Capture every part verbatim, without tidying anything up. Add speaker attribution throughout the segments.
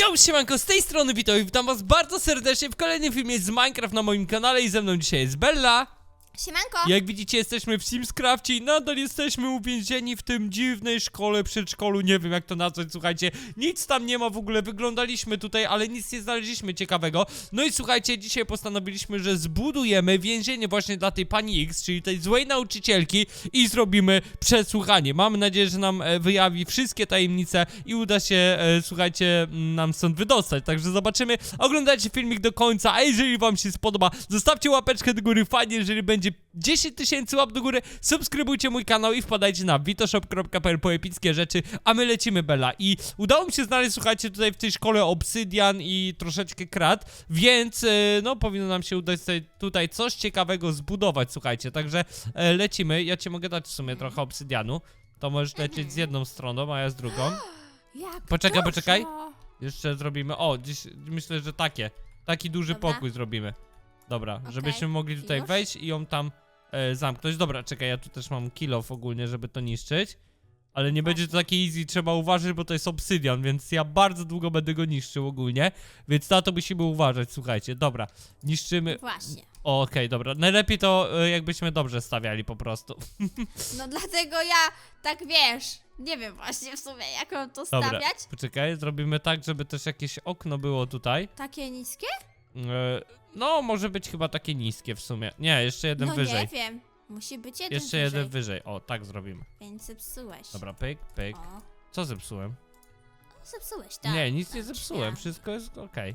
Speaker 1: Yo, siemanko, z tej strony Wito i witam was bardzo serdecznie w kolejnym filmie z Minecraft na moim kanale i ze mną dzisiaj jest Bella.
Speaker 2: Siemanko!
Speaker 1: Jak widzicie, jesteśmy w Simscrafcie i nadal jesteśmy uwięzieni w tym dziwnej szkole, przedszkolu, nie wiem jak to nazwać, słuchajcie. Nic tam nie ma w ogóle, wyglądaliśmy tutaj, ale nic nie znaleźliśmy ciekawego. No i słuchajcie, dzisiaj postanowiliśmy, że zbudujemy więzienie właśnie dla tej pani X, czyli tej złej nauczycielki i zrobimy przesłuchanie. Mamy nadzieję, że nam e, wyjawi wszystkie tajemnice i uda się, e, słuchajcie, nam stąd wydostać. Także zobaczymy, oglądajcie filmik do końca, a jeżeli wam się spodoba, zostawcie łapeczkę do góry, fajnie, jeżeli będzie dziesięć tysięcy łap do góry, subskrybujcie mój kanał i wpadajcie na witoshop kropka p l po epickie rzeczy, a my lecimy, Bella. I udało mi się znaleźć, słuchajcie, tutaj w tej szkole obsydian i troszeczkę krat, więc yy, no powinno nam się udać tutaj, tutaj coś ciekawego zbudować, słuchajcie, także yy, lecimy. Ja ci mogę dać w sumie trochę obsydianu, to możesz lecieć z jedną stroną, a ja z drugą.
Speaker 2: Jak
Speaker 1: Poczekaj,
Speaker 2: dużo.
Speaker 1: poczekaj. Jeszcze zrobimy, o, dziś myślę, że takie, taki duży
Speaker 2: Dobra.
Speaker 1: pokój zrobimy. Dobra,
Speaker 2: Okej,
Speaker 1: żebyśmy mogli tutaj
Speaker 2: już?
Speaker 1: wejść i ją tam e, zamknąć. Dobra, czekaj, ja tu też mam kill off ogólnie, żeby to niszczyć. Ale nie będzie to takie easy, trzeba uważać, bo to jest obsydian, więc ja bardzo długo będę go niszczył ogólnie. Więc na to musimy uważać, słuchajcie. Dobra, niszczymy...
Speaker 2: Właśnie.
Speaker 1: O, okej, dobra. Najlepiej to e, jakbyśmy dobrze stawiali po prostu.
Speaker 2: No dlatego ja tak wiesz, nie wiem właśnie w sumie jak mam to
Speaker 1: Dobra,
Speaker 2: stawiać.
Speaker 1: poczekaj, zrobimy tak, żeby też jakieś okno było tutaj.
Speaker 2: Takie niskie?
Speaker 1: E, no, może być chyba takie niskie w sumie. Nie, jeszcze jeden
Speaker 2: no
Speaker 1: wyżej.
Speaker 2: nie wiem. Musi być jeden
Speaker 1: Jeszcze
Speaker 2: wyżej.
Speaker 1: jeden wyżej. O, tak zrobimy.
Speaker 2: Więc zepsułeś.
Speaker 1: Dobra, pyk, pyk.
Speaker 2: O,
Speaker 1: Co zepsułem?
Speaker 2: zepsułeś, tak.
Speaker 1: Nie, nic
Speaker 2: tak,
Speaker 1: nie zepsułem,
Speaker 2: ja.
Speaker 1: wszystko jest okej.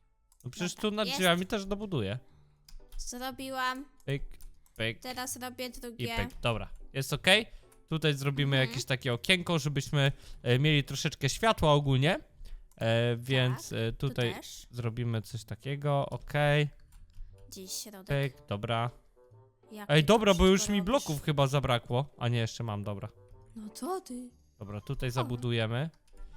Speaker 1: No przecież
Speaker 2: Dobra,
Speaker 1: tu nad
Speaker 2: jest.
Speaker 1: drzwiami też dobuduję.
Speaker 2: Zrobiłam.
Speaker 1: Pyk, pyk
Speaker 2: Teraz robię
Speaker 1: i
Speaker 2: drugie.
Speaker 1: pyk. Dobra, jest okej. Tutaj zrobimy
Speaker 2: Mhm.
Speaker 1: jakieś takie okienko, żebyśmy e, mieli troszeczkę światła ogólnie. E, więc
Speaker 2: Tak,
Speaker 1: e,
Speaker 2: Tu
Speaker 1: tutaj
Speaker 2: też.
Speaker 1: zrobimy coś takiego, okej.
Speaker 2: Gdzieś środek.
Speaker 1: Pyk, dobra.
Speaker 2: Jaki
Speaker 1: Ej,
Speaker 2: to
Speaker 1: dobra, bo już
Speaker 2: wszystko
Speaker 1: mi
Speaker 2: robisz?
Speaker 1: bloków chyba zabrakło. A nie, jeszcze mam, dobra.
Speaker 2: No to ty.
Speaker 1: Dobra, tutaj zabudujemy.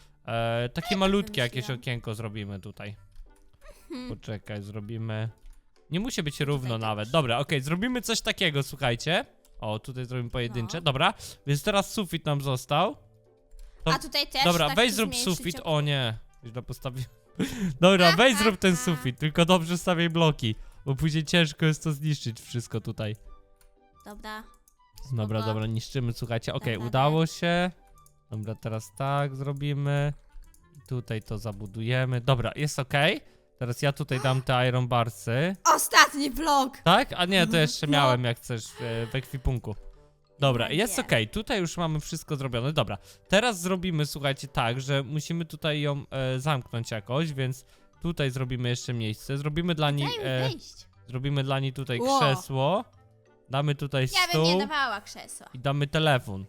Speaker 1: E, takie malutkie jakieś
Speaker 2: wymyśliłam.
Speaker 1: okienko zrobimy tutaj.
Speaker 2: Hmm.
Speaker 1: Poczekaj, zrobimy... Nie musi być równo
Speaker 2: Tutaj
Speaker 1: nawet.
Speaker 2: też.
Speaker 1: Dobra, okej, zrobimy coś takiego, słuchajcie. O, tutaj zrobimy pojedyncze.
Speaker 2: No.
Speaker 1: Dobra, więc teraz sufit nam został. To-
Speaker 2: A tutaj też
Speaker 1: Dobra,
Speaker 2: tak
Speaker 1: weź
Speaker 2: tu
Speaker 1: zrób
Speaker 2: zmniejszyć
Speaker 1: sufit.
Speaker 2: ok-
Speaker 1: O nie, źle postawiłem. Dobra, weź zrób ten sufit, tylko dobrze stawiaj bloki. Bo później ciężko jest to zniszczyć wszystko tutaj.
Speaker 2: Dobra.
Speaker 1: Dobra,
Speaker 2: Spoko.
Speaker 1: dobra, niszczymy, słuchajcie. Okej,
Speaker 2: Dobra,
Speaker 1: udało się. Dobra, teraz tak zrobimy. Tutaj to zabudujemy. Dobra, jest okej. Teraz ja tutaj dam te iron barsy.
Speaker 2: Ostatni vlog!
Speaker 1: Tak? A nie, to jeszcze
Speaker 2: No.
Speaker 1: miałem jak chcesz e, w ekwipunku. Dobra,
Speaker 2: Nie
Speaker 1: jest
Speaker 2: wiem.
Speaker 1: okej, tutaj już mamy wszystko zrobione. Dobra, teraz zrobimy, słuchajcie, tak, że musimy tutaj ją e, zamknąć jakoś, więc tutaj zrobimy jeszcze miejsce. Zrobimy dla niej,
Speaker 2: Daj mi
Speaker 1: e,
Speaker 2: wyjść.
Speaker 1: zrobimy dla niej tutaj
Speaker 2: Ło.
Speaker 1: krzesło. Damy tutaj
Speaker 2: Ja bym nie
Speaker 1: stół
Speaker 2: dawała krzesła.
Speaker 1: i damy telefon.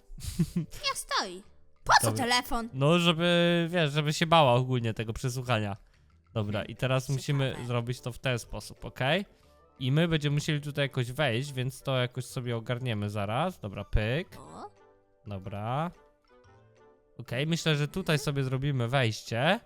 Speaker 2: Ja stoi. Po co
Speaker 1: Dobra.
Speaker 2: telefon?
Speaker 1: No, żeby, wiesz, żeby się bała ogólnie tego przesłuchania. Dobra, i teraz
Speaker 2: Ciekawe.
Speaker 1: musimy zrobić to w ten sposób, ok? I my będziemy musieli tutaj jakoś wejść, więc to jakoś sobie ogarniemy zaraz. Dobra, pyk.
Speaker 2: O,
Speaker 1: Dobra. Okej, myślę, że tutaj sobie zrobimy wejście.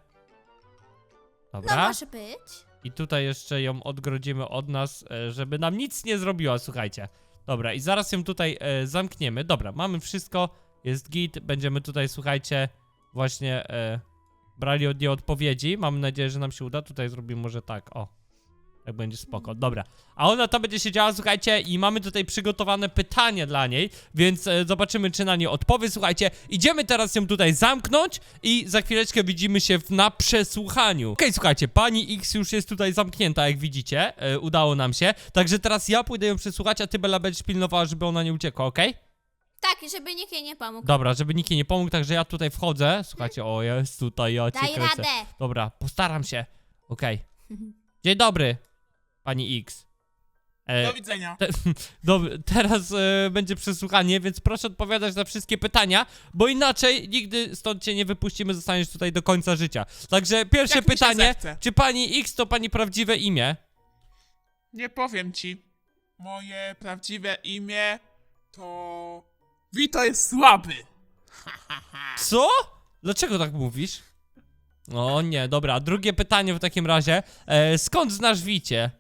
Speaker 2: no
Speaker 1: Dobra.
Speaker 2: może być.
Speaker 1: I tutaj jeszcze ją odgrodzimy od nas, e, żeby nam nic nie zrobiła, słuchajcie. Dobra, i zaraz ją tutaj e, zamkniemy. Dobra, mamy wszystko, jest git. Będziemy tutaj, słuchajcie, właśnie e, brali od niej odpowiedzi. Mamy nadzieję, że nam się uda. Tutaj zrobimy może tak, o. Tak będzie spoko, dobra. A ona tam będzie siedziała, słuchajcie, i mamy tutaj przygotowane pytanie dla niej, więc e, zobaczymy, czy na nie odpowie, słuchajcie. Idziemy teraz ją tutaj zamknąć i za chwileczkę widzimy się w, na przesłuchaniu. Okej, słuchajcie, pani X już jest tutaj zamknięta, jak widzicie, e, udało nam się. Także teraz ja pójdę ją przesłuchać, a ty, Bella, będziesz pilnowała, żeby ona nie uciekła, okej?
Speaker 2: Tak, żeby nikt jej nie pomógł.
Speaker 1: Dobra, żeby nikt jej nie pomógł, także ja tutaj wchodzę. Słuchajcie, o, jest tutaj, ja cię
Speaker 2: Daj
Speaker 1: kręcę.
Speaker 2: radę.
Speaker 1: Dobra, postaram się. Okej. Dzień dobry, pani X. E,
Speaker 3: Do widzenia.
Speaker 1: te, dob- teraz e, będzie przesłuchanie, więc proszę odpowiadać na wszystkie pytania, bo inaczej nigdy stąd cię nie wypuścimy, zostaniesz tutaj do końca życia. Także pierwsze
Speaker 3: Jak mi się
Speaker 1: pytanie,
Speaker 3: zechce.
Speaker 1: czy pani X to pani prawdziwe imię?
Speaker 3: Nie powiem ci. Moje prawdziwe imię to... Wito jest słaby.
Speaker 1: Co? Dlaczego tak mówisz? O nie, dobra, drugie pytanie w takim razie. E, skąd znasz Wicie?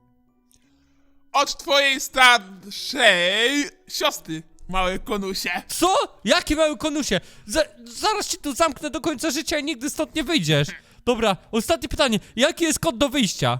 Speaker 3: Od twojej starszej siostry, małe konusie.
Speaker 1: Co? Jakie mały konusie? Za zaraz cię tu zamknę do końca życia i nigdy stąd nie wyjdziesz. Dobra, ostatnie pytanie. Jaki jest kod do wyjścia?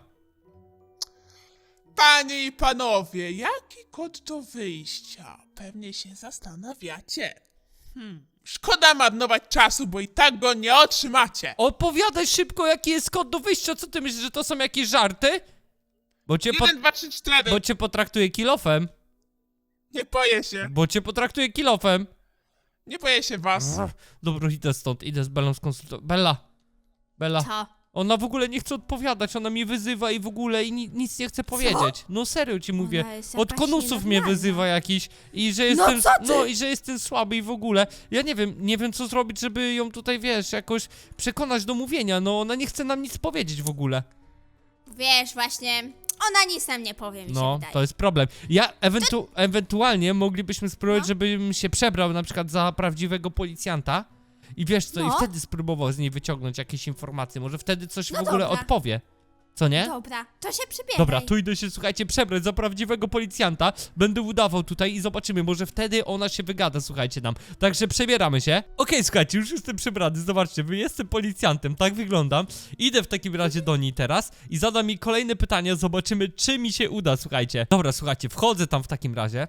Speaker 3: Panie i panowie, jaki kod do wyjścia? Pewnie się zastanawiacie. Hmm, szkoda marnować czasu, bo i tak go nie otrzymacie.
Speaker 1: Odpowiadaj szybko, jaki jest kod do wyjścia. Co ty myślisz, że to są jakieś żarty? Bo cię, po...
Speaker 3: Jeden, dwa, trzy, cztery.
Speaker 1: bo cię potraktuje kilofem.
Speaker 3: Nie boję się.
Speaker 1: Bo cię potraktuje kilofem.
Speaker 3: Nie boję się was.
Speaker 1: Dobra, idę stąd, idę z Bellą skonsultować. Bella, Bella,
Speaker 2: Co?
Speaker 1: ona w ogóle nie chce odpowiadać, ona mi wyzywa i w ogóle i ni nic nie chce powiedzieć. No serio ci mówię,
Speaker 2: Ona jest
Speaker 1: od
Speaker 2: jakaś
Speaker 1: konusów mnie
Speaker 2: nienormalna.
Speaker 1: wyzywa jakiś i że
Speaker 2: No
Speaker 1: jestem,
Speaker 2: co ty?
Speaker 1: no i że jestem słaby i w ogóle. Ja nie wiem, nie wiem co zrobić, żeby ją tutaj, wiesz, jakoś przekonać do mówienia, no ona nie chce nam nic powiedzieć w ogóle.
Speaker 2: Wiesz, właśnie, ona nic nam nie powie, mi się
Speaker 1: No,
Speaker 2: wydaje.
Speaker 1: to jest problem. Ja ewentu ewentualnie moglibyśmy spróbować,
Speaker 2: No.
Speaker 1: żebym się przebrał na przykład za prawdziwego policjanta i wiesz co, i
Speaker 2: No.
Speaker 1: wtedy spróbował z niej wyciągnąć jakieś informacje, może wtedy coś
Speaker 2: No
Speaker 1: w ogóle
Speaker 2: dobra.
Speaker 1: odpowie. Co nie?
Speaker 2: Dobra, to się przybieraj.
Speaker 1: Dobra, tu idę się, słuchajcie, przebrać za prawdziwego policjanta. Będę udawał tutaj i zobaczymy, może wtedy ona się wygada, słuchajcie nam. Także przebieramy się. Okej, słuchajcie, już jestem przebrany, zobaczcie, wy jestem policjantem, tak wyglądam. Idę w takim razie do niej teraz i zadam mi kolejne pytania, zobaczymy, czy mi się uda, słuchajcie. Dobra, słuchajcie, wchodzę tam w takim razie.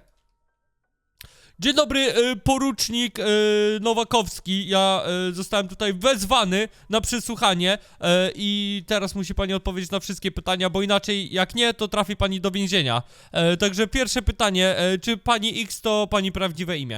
Speaker 1: Dzień dobry, y, porucznik y, Nowakowski. Ja y, zostałem tutaj wezwany na przesłuchanie y, i teraz musi pani odpowiedzieć na wszystkie pytania, bo inaczej jak nie, to trafi pani do więzienia. Y, także pierwsze pytanie, y, czy pani X to pani prawdziwe imię?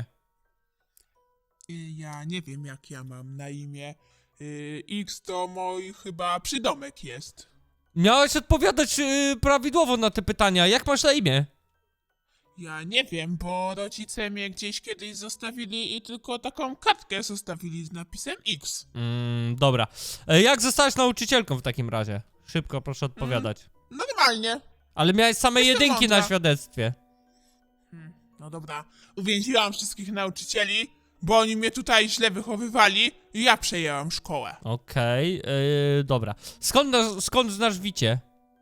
Speaker 3: Y, Ja nie wiem, jak ja mam na imię. Y, X to mój chyba przydomek jest.
Speaker 1: Miałeś odpowiadać y, prawidłowo na te pytania. Jak masz na imię?
Speaker 3: Ja nie wiem, bo rodzice mnie gdzieś kiedyś zostawili i tylko taką kartkę zostawili z napisem X.
Speaker 1: Mm, dobra. Y, jak zostałaś nauczycielką w takim razie? Szybko proszę odpowiadać.
Speaker 3: Normalnie.
Speaker 1: Ale miałeś same
Speaker 3: Jestem
Speaker 1: jedynki na
Speaker 3: mądra.
Speaker 1: świadectwie.
Speaker 3: Hmm, no dobra, uwięziłam wszystkich nauczycieli, bo oni mnie tutaj źle wychowywali i ja przejęłam szkołę.
Speaker 1: Okej, yy, dobra. Skąd, na- skąd znasz Wicie?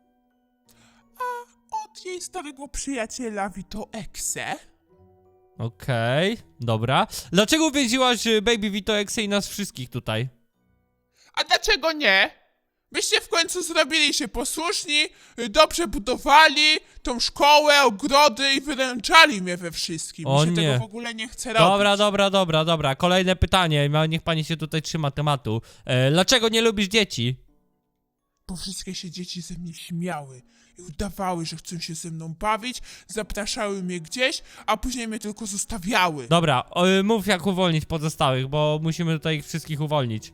Speaker 3: Od jej starego przyjaciela Vito Exe.
Speaker 1: Okej, dobra. Dlaczego uwięziłaś y, Baby Vito Exe i nas wszystkich tutaj?
Speaker 3: A dlaczego nie? Byście w końcu zrobili się posłuszni, y, dobrze budowali tą szkołę, ogrody i wyręczali mnie we wszystkim.
Speaker 1: O
Speaker 3: Mi się
Speaker 1: nie.
Speaker 3: tego w ogóle nie chce robić.
Speaker 1: Dobra, dobra, dobra, dobra. Kolejne pytanie, ma- niech pani się tutaj trzyma tematu. E, dlaczego nie lubisz dzieci?
Speaker 3: Bo wszystkie się dzieci ze mnie śmiały i udawały, że chcą się ze mną bawić, zapraszały mnie gdzieś, a później mnie tylko zostawiały.
Speaker 1: Dobra, o, y, mów jak uwolnić pozostałych, bo musimy tutaj ich wszystkich uwolnić.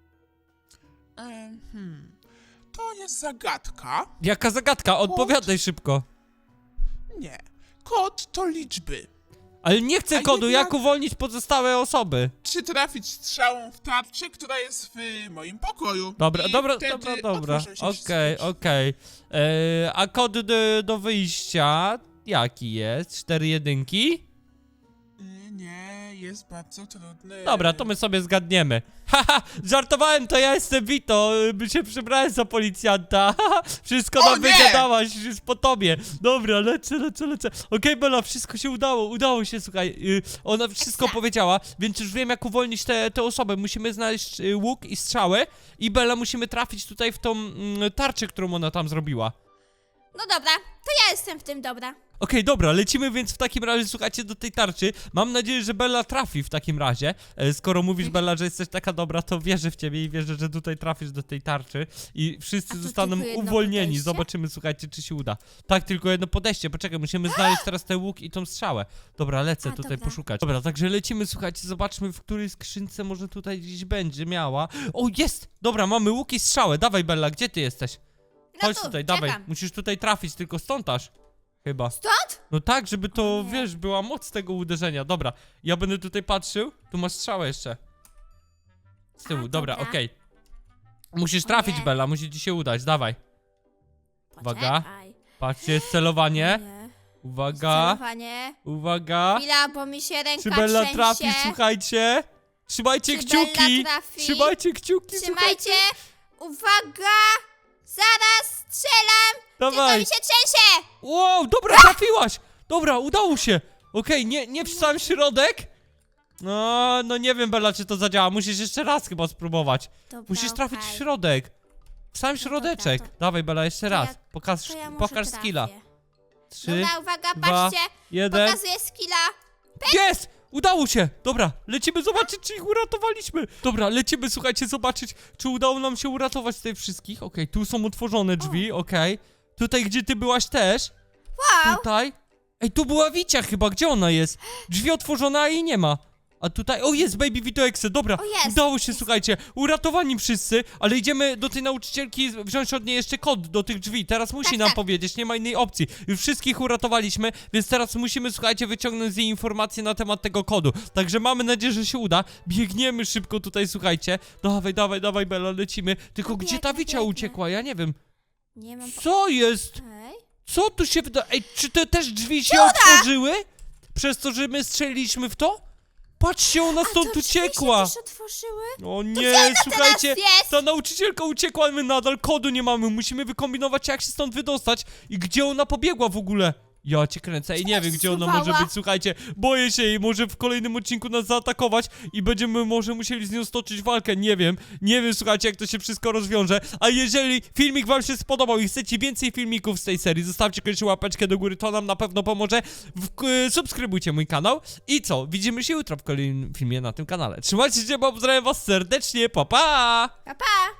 Speaker 3: Em, hmm. To jest zagadka.
Speaker 1: Jaka zagadka? Odpowiadaj szybko.
Speaker 3: Nie. Kod to liczby.
Speaker 1: Ale nie chcę
Speaker 3: A
Speaker 1: kodu,
Speaker 3: jednak-
Speaker 1: jak uwolnić pozostałe osoby?
Speaker 3: Czy trafić strzałą w tarczę, która jest w moim pokoju.
Speaker 1: Dobra,
Speaker 3: I
Speaker 1: dobra,
Speaker 3: wtedy
Speaker 1: dobra, dobra.
Speaker 3: otworzą się
Speaker 1: Okej,
Speaker 3: wszystkie
Speaker 1: okej. E, A kod do, do wyjścia jaki jest? Cztery jedynki?
Speaker 3: drzwi. Nie, jest bardzo trudny.
Speaker 1: Dobra, to my sobie zgadniemy. Haha, żartowałem, to ja jestem Vito, by się przebrałem za policjanta. Haha, wszystko
Speaker 3: O
Speaker 1: nam
Speaker 3: nie!
Speaker 1: wygadałaś, już po tobie. Dobra, lecę, lecę, lecę. Okej, Bella, wszystko się udało, udało się, słuchaj. y, Ona wszystko
Speaker 2: Ekstra.
Speaker 1: powiedziała, więc już wiem, jak uwolnić te, te osoby. Musimy znaleźć y, łuk i strzały i Bella, musimy trafić tutaj w tą mm, tarczę, którą ona tam zrobiła.
Speaker 2: No dobra, to ja jestem w tym dobra.
Speaker 1: Okej, dobra, lecimy więc w takim razie, słuchajcie, do tej tarczy. Mam nadzieję, że Bella trafi w takim razie. E, Skoro mówisz, Bella, że jesteś taka dobra, to wierzę w ciebie i wierzę, że tutaj trafisz do tej tarczy i wszyscy
Speaker 2: A to
Speaker 1: zostaną
Speaker 2: tylko jedno
Speaker 1: uwolnieni.
Speaker 2: podejście?
Speaker 1: Zobaczymy, słuchajcie, czy się uda. Tak, tylko jedno podejście. Poczekaj, musimy znaleźć teraz ten łuk i tą strzałę. Dobra, lecę
Speaker 2: A,
Speaker 1: tutaj
Speaker 2: dobra.
Speaker 1: poszukać. Dobra, także lecimy, słuchajcie, zobaczmy, w której skrzynce może tutaj gdzieś będzie miała. O, jest! Dobra, mamy łuk i strzałę. Dawaj, Bella, gdzie ty jesteś?
Speaker 2: No
Speaker 1: Chodź
Speaker 2: tu,
Speaker 1: tutaj,
Speaker 2: czekam.
Speaker 1: dawaj. Musisz tutaj trafić, tylko stąd aż. Chyba.
Speaker 2: Stąd?
Speaker 1: No tak, żeby to,
Speaker 2: O nie.
Speaker 1: wiesz, była moc tego uderzenia. Dobra, ja będę tutaj patrzył. Tu masz strzałę jeszcze. Z tyłu,
Speaker 2: A,
Speaker 1: dobra,
Speaker 2: dobra.
Speaker 1: okej. Musisz
Speaker 2: O
Speaker 1: trafić,
Speaker 2: nie.
Speaker 1: Bella, musi ci się udać, dawaj. Uwaga.
Speaker 2: Poczekaj.
Speaker 1: Patrzcie, jest celowanie.
Speaker 2: Nie.
Speaker 1: Uwaga,
Speaker 2: Celowanie.
Speaker 1: uwaga.
Speaker 2: Chwila, bo mi się ręka
Speaker 1: Czy Bella
Speaker 2: trzęsie.
Speaker 1: trafi, słuchajcie? Trzymajcie
Speaker 2: Czy
Speaker 1: kciuki.
Speaker 2: Bella trafi?
Speaker 1: Trzymajcie kciuki, słuchajcie.
Speaker 2: Trzymajcie. Uwaga. Zaraz strzelam. Tylko
Speaker 1: Dawaj.
Speaker 2: mi się trzęsie.
Speaker 1: Wow, dobra, trafiłaś. Dobra, udało się. Okej, nie, nie w sam środek. No, no nie wiem, Bella, czy to zadziała. Musisz jeszcze raz chyba spróbować.
Speaker 2: Dobra,
Speaker 1: Musisz trafić
Speaker 2: okej.
Speaker 1: w środek. W sam środeczek.
Speaker 2: dobra, to-
Speaker 1: Dawaj, Bella, jeszcze
Speaker 2: to ja-
Speaker 1: raz. Pokaż,
Speaker 2: To ja może
Speaker 1: pokaż
Speaker 2: trafię.
Speaker 1: skilla. Trzy,
Speaker 2: Dobra, uwaga,
Speaker 1: dwa,
Speaker 2: patrzcie.
Speaker 1: jeden.
Speaker 2: Pokazuję skilla.
Speaker 1: Jest! Udało się! Dobra, lecimy zobaczyć, czy ich uratowaliśmy. Dobra, lecimy, słuchajcie, zobaczyć, czy udało nam się uratować tutaj wszystkich. Okej, tu są otworzone drzwi, okej. Tutaj, gdzie ty byłaś też.
Speaker 2: Wow.
Speaker 1: Tutaj. Ej, tu była Wicia chyba, gdzie ona jest? Drzwi otworzone, a jej nie ma. A tutaj, o jest, Baby Vito Exe, dobra,
Speaker 2: O, jest,
Speaker 1: udało się,
Speaker 2: jest.
Speaker 1: słuchajcie, uratowani wszyscy, ale idziemy do tej nauczycielki wziąć od niej jeszcze kod do tych drzwi, teraz musi
Speaker 2: Tak,
Speaker 1: nam
Speaker 2: tak.
Speaker 1: powiedzieć, nie ma innej opcji, już wszystkich uratowaliśmy, więc teraz musimy, słuchajcie, wyciągnąć z jej informacje na temat tego kodu, także mamy nadzieję, że się uda, biegniemy szybko tutaj, słuchajcie, dawaj, dawaj, dawaj, Bella, lecimy, tylko
Speaker 2: No
Speaker 1: gdzie ta
Speaker 2: biegnę,
Speaker 1: Wicia
Speaker 2: biegnę.
Speaker 1: uciekła, ja nie wiem,
Speaker 2: Nie mam...
Speaker 1: co jest?
Speaker 2: Ej.
Speaker 1: Co tu się wyda... Ej, czy te też drzwi się otworzyły? Przez to, że my strzeliliśmy w to? Patrzcie, ona
Speaker 2: A
Speaker 1: stąd
Speaker 2: to drzwi się
Speaker 1: uciekła!
Speaker 2: też otworzyły?
Speaker 1: O nie, słuchajcie,
Speaker 2: teraz jest?
Speaker 1: ta nauczycielka uciekła, my nadal kodu nie mamy, musimy wykombinować, jak się stąd wydostać i gdzie ona pobiegła w ogóle. Ja cię kręcę i nie wiem, gdzie ona może
Speaker 2: zsuwała?
Speaker 1: być, słuchajcie, boję się jej, może w kolejnym odcinku nas zaatakować i będziemy może musieli z nią stoczyć walkę, nie wiem, nie wiem, słuchajcie, jak to się wszystko rozwiąże, a jeżeli filmik wam się spodobał i chcecie więcej filmików z tej serii, zostawcie koniecznie łapeczkę do góry, to nam na pewno pomoże, w, y, subskrybujcie mój kanał i co, widzimy się jutro w kolejnym filmie na tym kanale, trzymajcie się, bo pozdrawiam was serdecznie, pa pa!
Speaker 2: Pa, pa.